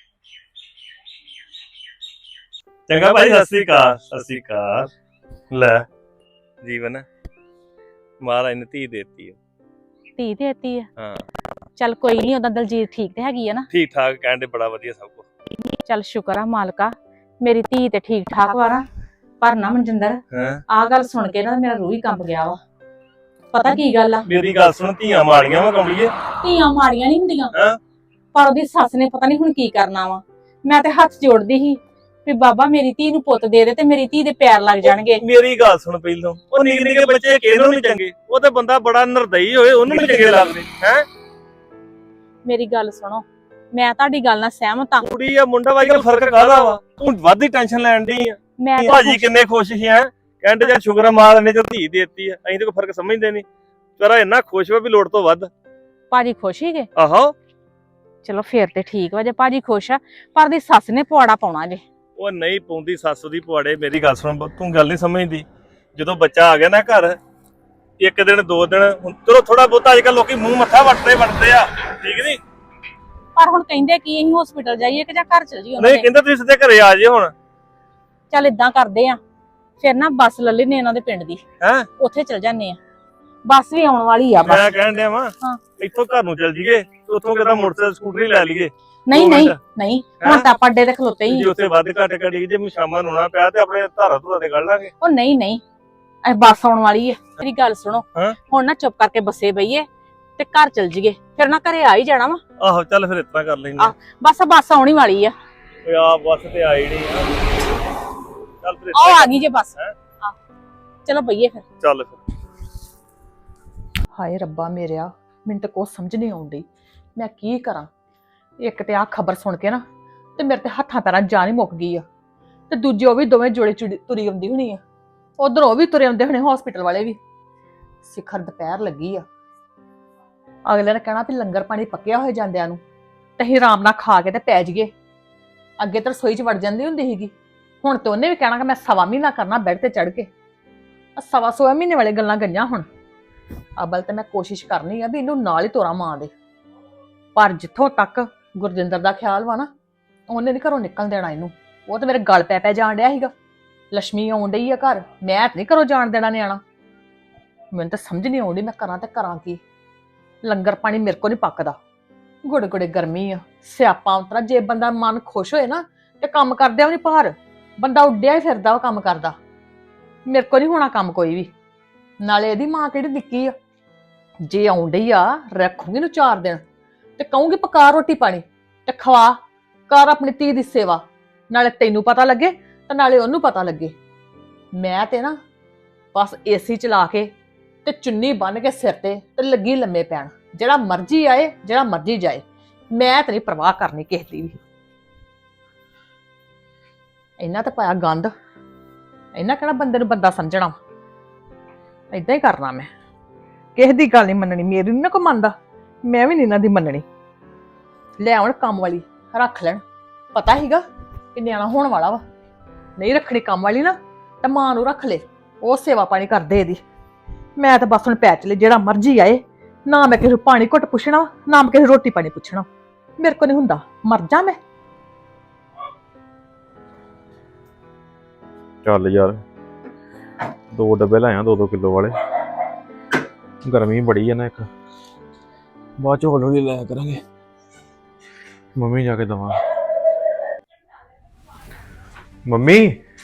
ਚੰਗਾ ਭਾਈ ਸਤਿ ਸ੍ਰੀ ਅਕਾਲ ਸਤਿ ਸ੍ਰੀ ਅਕਾਲ ਲੈ ਜੀਵਨ ਮਹਾਰਾਜ ਨੇ ਧੀ ਦੇਤੀ ਧੀ ਦੇਤੀ ਆ ਹਾਂ ਚੱਲ ਕੋਈ ਨਹੀਂ ਉਹਦਾ ਦਲਜੀਤ ਠੀਕ ਤੇ ਹੈਗੀ ਆ ਨਾ ਠੀਕ ਠਾਕ ਕਹਿੰਦੇ ਬੜਾ ਵਧੀਆ ਸਭ ਕੁਝ ਚੱਲ ਸ਼ੁਕਰ ਆ ਮਾਲਕਾ ਮੇਰੀ ਧੀ ਤੇ ਠੀਕ ਠਾਕ ਵਾ ਨਾ ਪਰ ਨਾ ਮਨਜਿੰਦਰ ਹਾਂ ਆਹ ਗੱਲ ਸੁਣ ਕੇ ਨਾ ਮੇਰਾ ਰੂਹ ਹੀ ਕੰਬ ਗਿਆ ਵਾ ਪਤਾ ਕੀ ਗੱਲ ਆ ਮੇਰੀ ਗੱਲ ਸੁਣ ਧੀਆਂ ਮਾੜੀਆਂ ਵਾ ਕਮਲੀਏ ਧੀਆਂ ਮਾੜੀਆਂ ਨਹੀਂ ਹੁੰਦੀਆਂ ਹਾਂ ਪਰ ਉਹਦੀ ਸੱਸ ਨੇ ਪਤਾ ਨਹੀਂ ਹੁਣ ਕੀ ਕਰਨਾ ਵਾ ਮੈਂ ਤੇ ਹੱਥ ਜੋੜਦੀ ਸੀ ਵੀ ਬਾਬਾ ਮੇਰੀ ਧੀ ਨੂੰ ਪੁੱਤ ਦੇ ਦੇ ਤੇ ਮੇਰੀ ਧੀ ਦੇ ਪੈਰ ਲੱਗ ਜਾਣਗੇ ਮੇਰੀ ਗੱਲ ਸੁਣ ਪਹਿਲੋਂ ਉਹ ਨਿੱਕੇ ਨਿੱਕੇ ਬੱਚੇ ਕਿਹਨੂੰ ਨਹੀਂ ਚੰਗੇ ਉਹ ਤੇ ਬੰਦਾ ਬੜਾ ਨਿਰਦਈ ਹੋਏ ਉਹਨੂੰ ਨਹੀਂ ਚੰਗੇ ਲੱਗਦੇ ਹੈ ਮੇਰੀ ਗੱਲ ਸੁਣੋ ਮੈਂ ਤੁਹਾਡੀ ਗੱਲ ਨਾਲ ਸਹਿਮਤ ਆ ਕੁੜੀ ਆ ਮੁੰਡਾ ਵਾਈ ਦਾ ਫਰਕ ਕਾਹਦਾ ਵਾ ਤੂੰ ਵੱਧ ਹੀ ਟੈਨਸ਼ਨ ਲੈਣ ਦੀ ਆ ਮੈਂ ਤਾਂ ਭਾਜੀ ਕਿੰਨੇ ਖੁਸ਼ ਸੀ ਹੈ ਕਹਿੰਦੇ ਜਾਂ ਸ਼ੁਕਰ ਮਾਰ ਨੇ ਜੋ ਧੀ ਦੇਤੀ ਆ ਅਸੀਂ ਤੇ ਕੋਈ ਫਰਕ ਸਮਝਦੇ ਨਹੀਂ ਤੇਰਾ ਇੰਨਾ ਖੁਸ਼ ਵਾ ਵੀ ਲੋੜ ਤੋਂ ਵੱਧ ਭਾਜੀ ਖੁਸ਼ ਹੀਗੇ ਆਹੋ ਚਲੋ ਫੇਰ ਤੇ ਠੀਕ ਵਾ ਜੇ ਭਾਜੀ ਖੁਸ਼ ਆ ਪਰ ਦੀ ਸੱਸ ਨੇ ਪਵਾੜਾ ਪਾਉਣਾ ਜੇ ਉਹ ਨਹੀਂ ਪਾਉਂਦੀ ਸੱਸ ਦੀ ਪੁਆੜੇ ਮੇਰੀ ਗੱਲ ਸੁਣ ਤੂੰ ਗੱਲ ਨਹੀਂ ਸਮਝਦੀ ਜਦੋਂ ਬੱਚਾ ਆ ਗਿਆ ਨਾ ਘਰ ਇੱਕ ਦਿਨ ਦੋ ਦਿਨ ਹੁਣ ਚਲੋ ਥੋੜਾ ਬਹੁਤਾ ਅੱਜ ਕੱਲ ਲੋਕੀ ਮੂੰਹ ਮੱਥਾ ਵੱਟਦੇ ਵੱਟਦੇ ਆ ਠੀਕ ਨਹੀਂ ਪਰ ਹੁਣ ਕਹਿੰਦੇ ਕੀ ਅਸੀਂ ਹਸਪੀਟਲ ਜਾਈਏ ਕਿ ਜਾਂ ਘਰ ਚਲ ਜਾਈਏ ਨਹੀਂ ਕਹਿੰਦੇ ਤੁਸੀਂ ਸਿੱਧੇ ਘਰੇ ਆ ਜਾਓ ਹੁਣ ਚੱਲ ਇਦਾਂ ਕਰਦੇ ਆ ਫਿਰ ਨਾ ਬੱਸ ਲੈ ਲੈਨੇ ਇਹਨਾਂ ਦੇ ਪਿੰਡ ਦੀ ਹੈ ਉੱਥੇ ਚਲ ਜਾਂਦੇ ਆ ਬੱਸ ਵੀ ਆਉਣ ਵਾਲੀ ਆ ਮੈਂ ਬਸ ਕਹਿਣ ਡਿਆ ਵਾਂ ਹਾਂ। ਇੱਥੋਂ ਘਰ ਨੂੰ ਚੱਲ ਜੀਏ ਉੱਥੋਂ ਕਿਤਾ ਮੋਟਰਸਾਈਕਲ ਸਕੂਟਰੀ ਲੈ ਲਈਏ ਨਹੀਂ ਦੋ ਨਹੀਂ ਮਿੰਟ। ਨਹੀਂ ਹੁਣ ਤਾਂ ਆਪਾਂ ਅੱਡੇ ਤੇ ਖਲੋਤੇ ਹੀ ਜੇ ਉੱਥੇ ਵੱਧ ਘੱਟ ਕਰੀ ਜੇ ਸ਼ਾਮਾਂ ਨੂੰ ਨਾ ਪਿਆ ਤੇ ਆਪਣੇ ਧਾਰਾ ਧੁਰਾ ਤੇ ਕੱਢ ਲਾਂਗੇ ਉਹ ਨਹੀਂ ਨਹੀਂ ਇਹ ਬੱਸ ਆਉਣ ਵਾਲੀ ਹੈ ਮੇਰੀ ਗੱਲ ਸੁਣੋ ਹਾਂ। ਹੁਣ ਨਾ ਚੁੱਪ ਕਰਕੇ ਬੱਸੇ ਬਈਏ ਤੇ ਘਰ ਚਲ ਜੀਏ ਫਿਰ ਨਾ ਘਰੇ ਆ ਹੀ ਜਾਣਾ ਵਾ ਆਹੋ ਚੱਲ ਫਿਰ ਇਤਨਾ ਕਰ ਲੈਂਦੇ ਆਹ। ਬਸ ਬੱਸ ਆਉਣੀ ਵਾਲੀ ਆ ਓਏ ਆ ਬੱਸ ਤੇ ਆਈ ਨਹੀਂ ਆ ਚੱਲ ਫਿਰ ਆਹ ਏਦਾਂ ਆ ਗਈ ਜੇ ਬੱਸ ਹੈਂ? ਆਹ, ਚਲੋ ਬਈਏ ਫਿਰ ਚੱਲ ਫਿਰ ਹਾਏ ਰੱਬਾ ਮੇਰਿਆ ਮੈਨੂੰ ਤਾਂ ਕੁਛ ਸਮਝ ਨਹੀਂ ਆਉਂਦੀ ਮੈਂ ਕੀ ਕਰਾਂ ਇੱਕ ਤੇ ਆਹ ਖਬਰ ਸੁਣ ਕੇ ਨਾ ਤੇ ਮੇਰੇ ਤੇ ਹੱਥਾਂ ਪੈਰਾਂ ਜਾਨ ਹੀ ਮੁੱਕ ਗਈ ਆ ਤੇ ਦੂਜੇ ਉਹ ਵੀ ਦੋਵੇਂ ਜੋੜੇ ਚੁੜੀ- ਤੁਰੀ ਆਉਂਦੀ ਹੋਣੀ ਆ ਉਧਰੋਂ ਉਹ ਵੀ ਤੁਰੇ ਆਉਂਦੇ ਹੋਣੇ ਹਸਪੀਟਲ ਵਾਲੇ ਵੀ ਸਿਖਰ ਦੁਪਹਿਰ ਲੱਗੀ ਆ ਅਗਲੇ ਨੇ ਕਹਿਣਾ ਵੀ ਲੰਗਰ ਪਾਣੀ ਪੱਕਿਆ ਹੋਏ ਜਾਂਦਿਆਂ ਨੂੰ ਤੇ ਅਸੀਂ ਆਰਾਮ ਨਾਲ ਖਾ ਕੇ ਤੇ ਪੈ ਜਾਈਏ ਅੱਗੇ ਤਾਂ ਰਸੋਈ 'ਚ ਵੜ ਜਾਂਦੀ ਹੁੰਦੀ ਸੀਗੀ ਹੁਣ ਤੇ ਉਹਨੇ ਵੀ ਕਹਿਣਾ ਕਿ ਮੈਂ ਸਵਾ ਮਹੀਨਾ ਕਰਨਾ ਬੈੱਡ ਤੇ ਚੜ ਕੇ ਆ ਸਵਾ ਸਵਾ ਮਹੀਨੇ ਵਾਲੇ ਗੱਲਾਂ ਗਈਆਂ ਹੁਣ ਅਬਲ ਤੇ ਮੈਂ ਕੋਸ਼ਿਸ਼ ਕਰਨੀ ਆ ਵੀ ਇਹਨੂੰ ਨਾਲ ਹੀ ਤੋਰਾ ਮਾਂ ਦੇ ਪਰ ਜਿੱਥੋਂ ਤੱਕ ਗੁਰਜਿੰਦਰ ਦਾ ਖਿਆਲ ਵਾ ਨਾ ਉਹਨੇ ਨੀ ਘਰੋਂ ਨਿਕਲ ਦੇਣਾ ਇਹਨੂੰ ਉਹ ਤੇ ਮੇਰੇ ਗਲ ਪੈ ਪੈ ਜਾਣ ਡਿਆ ਸੀਗਾ ਲక్ష్ਮੀ ਆਉਣ ਡਈ ਆ ਘਰ ਮੈਂ ਤੇ ਨੀ ਘਰੋਂ ਜਾਣ ਦੇਣਾ ਨਿਆਣਾ ਮੈਨੂੰ ਤਾਂ ਸਮਝ ਨਹੀਂ ਆਉਂਦੀ ਮੈਂ ਕਰਾਂ ਤੇ ਕਰਾਂ ਕੀ ਲੰਗਰ ਪਾਣੀ ਮੇਰੇ ਕੋ ਨਹੀਂ ਪੱਕਦਾ ਗੁੜ ਗੁੜੇ ਗਰਮੀ ਆ ਸਿਆਪਾ ਉਤਰਾ ਜੇ ਬੰਦਾ ਮਨ ਖੁਸ਼ ਹੋਏ ਨਾ ਤੇ ਕੰਮ ਕਰਦਿਆਂ ਵੀ ਨੀ ਭਾਰ ਬੰਦਾ ਉੱਡਿਆ ਹੀ ਫਿਰਦਾ ਉਹ ਕੰਮ ਕਰਦਾ ਮੇਰੇ ਕੋ ਨਹੀਂ ਹੋਣਾ ਕੰਮ ਕੋਈ ਵੀ ਨਾਲੇ ਇਹਦੀ ਮਾਂ ਕਿਹੜੀ ਨਿੱਕੀ ਆ ਜੇ ਆਉਣ ਡਈ ਆ ਰੱਖੂਗੀ ਨੂੰ ਚਾਰ ਦਿਨ ਤੇ ਕਹੂੰਗੀ ਪਕਾ ਰੋਟੀ ਪਾਣੀ ਤੇ ਖਵਾ ਕਰ ਆਪਣੀ ਧੀ ਦੀ ਸੇਵਾ ਨਾਲੇ ਤੈਨੂੰ ਪਤਾ ਲੱਗੇ ਤੇ ਨਾਲੇ ਉਹਨੂੰ ਪਤਾ ਲੱਗੇ ਮੈਂ ਤੇ ਨਾ ਬਸ ਏਸੀ ਚਲਾ ਕੇ ਤੇ ਚੁੰਨੀ ਬੰਨ ਕੇ ਸਿਰ ਤੇ ਤੇ ਲੱਗੀ ਲੰਮੇ ਪੈਣ ਜਿਹੜਾ ਮਰਜ਼ੀ ਆਏ ਜਿਹੜਾ ਮਰਜ਼ੀ ਜਾਏ ਮੈਂ ਤੇ ਨਹੀਂ ਪਰਵਾਹ ਕਰਨੀ ਕਿਸੇ ਦੀ ਵੀ ਇਹਨਾਂ ਤੇ ਪਾਇਆ ਗੰਦ ਇਹਨਾਂ ਕਿਹੜਾ ਬੰਦੇ ਨੂੰ ਬੰਦਾ ਸਮਝਣਾ ਏਦਾਂ ਹੀ ਕਰਨਾ ਮੈਂ ਕਿਸੇ ਦੀ ਗੱਲ ਨਹੀਂ ਮੰਨਣੀ ਮੇਰੀ ਨੀ ਨਾ ਕੋਈ ਮੰਨਦਾ ਮੈਂ ਵੀ ਨਹੀਂ ਇਹਨਾਂ ਦੀ ਮੰਨਣੀ ਲੈ ਆਉਣ ਕੰਮ ਵਾਲੀ ਰੱਖ ਲੈਣ ਪਤਾ ਹੀਗਾ ਕਿ ਨਿਆਣਾ ਹੋਣ ਵਾਲਾ ਵਾ ਨਹੀਂ ਰੱਖਣੀ ਕੰਮ ਵਾਲੀ ਨਾ ਤਾਂ ਮਾਂ ਨੂੰ ਰੱਖ ਲੈ ਉਹ ਸੇਵਾ ਪਾਣੀ ਕਰਦੇ ਇਹਦੀ ਮੈਂ ਤਾਂ ਬਸ ਹੁਣ ਪੈ ਚਲੇ ਜਿਹੜਾ ਮਰਜ਼ੀ ਆਏ ਨਾ ਮੈਂ ਕਿਸੇ ਨੂੰ ਪਾਣੀ ਘੁੱਟ ਪੁੱਛਣਾ ਵਾ, ਨਾ ਮੈਂ ਕਿਸੇ ਨੂੰ ਰੋਟੀ ਪਾਣੀ ਪੁੱਛਣਾ। ਮੇਰੇ ਕੋਲ ਨਹੀਂ ਹੁੰਦਾ, ਮਰ ਜਾ ਮੈਂ। ਚੱਲ ਯਾਰ ਦੋ ਡੱਬੇ ਲਾਇਆ ਦੋ ਦੋ ਕਿਲੋ ਵਾਲੇ। ਗਰਮੀ ਬੜੀ ਹੈ ਨਾ ਇੱਕ, ਬਾਅਦ ਚ ਹੌਲੀ ਹੌਲੀ ਲਾਇਆ ਕਰਾਂਗੇ। ਮੰਮੀ ਜਾ ਕੇ ਦਵਾਂ। ਮੰਮੀ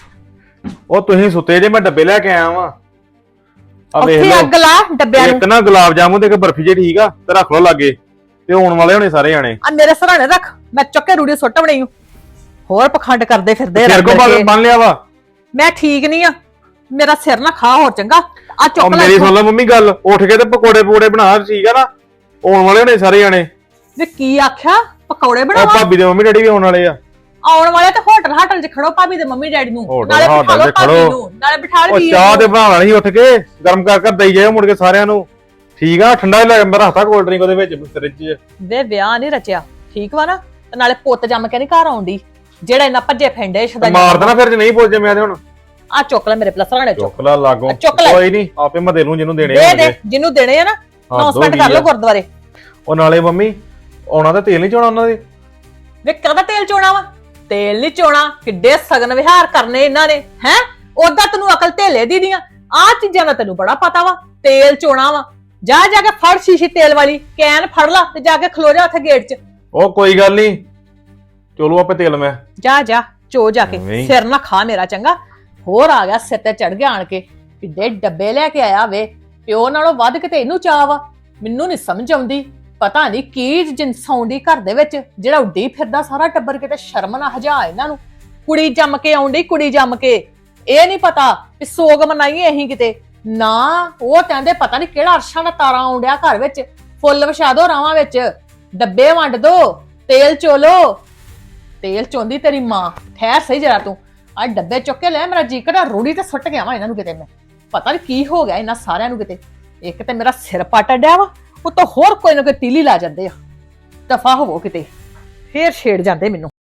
ਉਹ ਤੁਸੀਂ ਸੁੱਤੇ ਜੇ, ਮੈਂ ਡੱਬੇ ਲੈ ਕੇ ਆਇਆ ਵਾਂ। ਆ ਵੇਖ ਉੱਥੇ ਲਓ, ਅੱਗ ਲਾ ਡੱਬਿਆਂ ਨੂੰ। ਇੱਕ ਨਾ ਗੁਲਾਬ ਜਾਮੁਨ ਤੇ ਇੱਕ ਬਰਫੀ ਜੇ, ਠੀਕ ਆ, ਤੇ ਰੱਖ ਲਓ ਲਾਗੇ, ਤੇ ਆਉਣ ਵਾਲੇ ਹੋਣੇ ਸਾਰੇ ਜਾਣੇ। ਆ ਮੇਰੇ ਸਰਾਣੇ ਰੱਖ, ਮੈਂ ਚੁੱਕੇ ਰੂੜੀ ਸੁੱਟ ਬਣਾਈ। ਹੋਰ ਪਖੰਡ ਕਰਦੇ ਫਿਰਦੇ ਸਿਰ ਕੋ ਰੰਗ ਕੇ। ਬੰਨ ਲਿਆ ਵਾ। ਮੈਂ ਠੀਕ ਨਹੀਂ ਆ, ਮੇਰਾ ਸਿਰ ਨਾ ਖਾ ਹੋਰ ਚੰਗਾ। ਆ ਉਹ ਚੁੱਕ ਲੈ ਮੇਰੀ ਇੱਥੋਂ। ਸੁਣ ਲੈ ਮੰਮੀ ਗੱਲ, ਉੱਠ ਕੇ ਤੇ ਪਕੌੜੇ ਪਕੌੜੇ ਬਣਾ, ਠੀਕ ਆ ਨਾ, ਆਉਣ ਵਾਲੇ ਹੋਣੇ ਸਾਰੇ ਜਾਣੇ। ਵੇ ਕੀ ਆਖਿਆ? ਪਕੌੜੇ ਉਹ ਬਣਾਵਾ? ਭਾਬੀ ਦੇ ਮੰਮੀ ਡੈਡੀ ਵੀ ਆਉਣ ਵਾਲੇ ਆ। ਆਉਣ ਵਾਲੇ ਤੇ ਹੋਟਲ ਹਾਟਲ 'ਚ ਖੜੋ ਭਾਬੀ ਦੇ ਮੰਮੀ ਡੈਡੀ ਨੂੰ, ਹੋਟਲ ਨਾਲੇ ਬਿਠਾ ਹਾਟਲ ਲਓ 'ਚ ਭਾਬੀ ਖੜੋ। ਨੂੰ, ਨਾਲੇ ਬਿਠਾ ਉਹ ਲਈ ਚਾਹ ਤੇ ਬਣਾਉਣਾ ਨਹੀਂ, ਉੱਠ ਕੇ ਗਰਮ ਕਰ ਕਰ ਦਈ ਜਾਇਓ ਮੁੜ ਕੇ ਸਾਰਿਆਂ ਨੂੰ, ਠੀਕ ਆ। ਠੰਡਾ ਲੈ ਕੇ ਰੱਖਤਾ ਕੋਲਡ ਡਰਿੰਕ ਉਹਦੇ ਵਿੱਚ ਫ੍ਰਿਜ 'ਚ। ਵੇ ਵਿਆਹ ਨਹੀਂ ਰਚਿਆ, ਠੀਕ ਵਾ ਨਾ? ਤੇ ਨਾਲੇ ਪੁੱਤ ਜੰਮ ਕੇ ਨਹੀਂ ਘਰ ਆਉਂਦੀ, ਜਿਹੜਾ ਇੰਨਾ ਭੱਜੇ ਫੈਂਡੇ ਸ਼ਦਾ। ਮਾਰ ਦੇਣਾ ਫਿਰ ਜੇ ਨਹੀਂ ਪੁੱਜੇ ਮੈਂ ਤੇ ਹੁਣ। ਆ ਚੁੱਕ ਲੈ ਮੇਰੇ ਪਲਸਰਾਣੇ ਚੁੱਕ ਚੁੱਕ ਲਾ ਲਾਗੋਂ, ਚੁੱਕ ਲੈ। ਕੋਈ ਨਹੀਂ, ਆਪੇ ਮੈਂ ਦੇ ਲੂੰ ਜਿਹਨੂੰ ਦੇਣੇ ਦੇ ਹੋਣਗੇ। ਦੇ ਜਿਹਨੂੰ ਦੇਣੇ ਆ ਨਾ, ਅਨਾਉਂਸਮੈਂਟ ਕਰ ਲਓ ਗੁਰਦੁਆਰੇ। ਉਹ ਨਾਲੇ ਮੰਮੀ ਆਉਣਾ ਤਾਂ ਤੇਲ ਨਹੀਂ ਚੋਣਾ ਉਹਨਾਂ ਦੇ। ਵੇ ਕਾਹਦਾ ਤੇਲ ਚੋਣਾ ਵਾ? ਤੇਲ ਨਹੀਂ ਚੋਣਾ, ਕਿੱਡੇ ਸਗਨ ਵਿਹਾਰ ਕਰਨੇ ਇਹਨਾਂ ਨੇ ਹੈ। ਉਦਾਂ ਤੈਨੂੰ ਅਕਲ ਢੇਲੇ ਦੀ ਦੀਆਂ ਆ ਚੀਜ਼ਾਂ ਦਾ ਤੈਨੂੰ ਬੜਾ ਪਤਾ ਵਾ। ਤੇਲ ਚੋਣਾ ਵਾ, ਜਾ ਜਾ ਕੇ ਫੜ ਸ਼ੀਸ਼ੀ ਤੇਲ ਵਾਲੀ ਕੈਨ ਫੜ ਲਾ ਤੇ ਜਾ ਕੇ ਖਲੋ ਜਾ ਉੱਥੇ ਗੇਟ 'ਚ। ਉਹ ਕੋਈ ਗੱਲ ਨਹੀਂ, ਚਲੋ ਆਪੇ ਤੇਲ ਮੈਂ। ਜਾ ਜਾ ਚੋ ਜਾ ਕੇ, ਨਹੀਂ। ਸਿਰ ਨਾ ਖਾ ਮੇਰਾ ਚੰਗਾ। ਹੋਰ ਆ ਗਿਆ ਸਿਰ ਤੇ ਚੜ ਗਿਆ ਆਣ ਕੇ, ਕਿੱਡੇ ਡੱਬੇ ਲੈ ਕੇ ਆਇਆ ਵੇ। ਪਿਓ ਨਾਲੋਂ ਵੱਧ ਕਿਤੇ ਇਹਨੂੰ ਚਾਹ ਵਾ। ਮੈਨੂੰ ਨਹੀਂ ਸਮਝ ਆਉਂਦੀ, ਪਤਾ ਨਹੀਂ ਕੀ ਜਿੰਸ ਆਉਂਦੀ ਘਰ ਦੇ ਵਿੱਚ, ਜਿਹੜਾ ਉੱਡੀ ਫਿਰਦਾ ਸਾਰਾ ਟੱਬਰ। ਕਿਤੇ ਸ਼ਰਮ ਨਾ ਹਜਾ ਇਹਨਾਂ ਨੂੰ। ਕੁੜੀ ਜੰਮ ਕੇ ਆਉਂਦੀ, ਕੁੜੀ ਜੰਮ ਕੇ। ਇਹ ਨਹੀਂ ਪਤਾ ਵੀ ਸੋਗ ਮਨਾਈਏ ਅਸੀਂ ਕਿਤੇ ਨਾ। ਉਹ ਕਹਿੰਦੇ ਪਤਾ ਨਹੀਂ ਕਿਹੜਾ ਅਰਸ਼ਾਂ ਦਾ ਤਾਰਾ ਆਉਂਦਿਆ ਘਰ ਵਿੱਚ। ਫੁੱਲ ਵਿਛਾ ਦੋ ਰਾਵਾਂ ਵਿੱਚ, ਡੱਬੇ ਵੰਡ ਦੋ, ਤੇਲ ਚੋਲੋ। ਤੇਲ ਚੋਂਦੀ ਤੇਰੀ ਮਾਂ। ਠਹਿਰ ਸਹੀ ਜਰਾ ਤੂੰ। ਆ ਡੱਬੇ ਚੁੱਕ ਕੇ ਲੈ, ਮੇਰਾ ਜੀ ਕਰਦਾ ਰੂੜੀ ਤੇ ਸੁੱਟ ਗਿਆ ਵਾ ਇਹਨਾਂ ਨੂੰ ਕਿਤੇ ਮੈਂ। ਪਤਾ ਨਹੀਂ ਕੀ ਹੋ ਗਿਆ ਇਹਨਾਂ ਸਾਰਿਆਂ ਨੂੰ ਕਿਤੇ। ਇੱਕ ਤੇ ਮੇਰਾ ਸਿਰ ਪਟ ਡਿਆ ਵਾ, ਉਹ ਤਾਂ ਹੋਰ ਕੋਈ ਨਾ ਕੋਈ ਤੀਲੀ ਲਾ ਜਾਂਦੇ ਆ। ਦਫਾ ਹੋਵੋ ਕਿਤੇ, ਫੇਰ ਛੇੜ ਜਾਂਦੇ ਮੈਨੂੰ।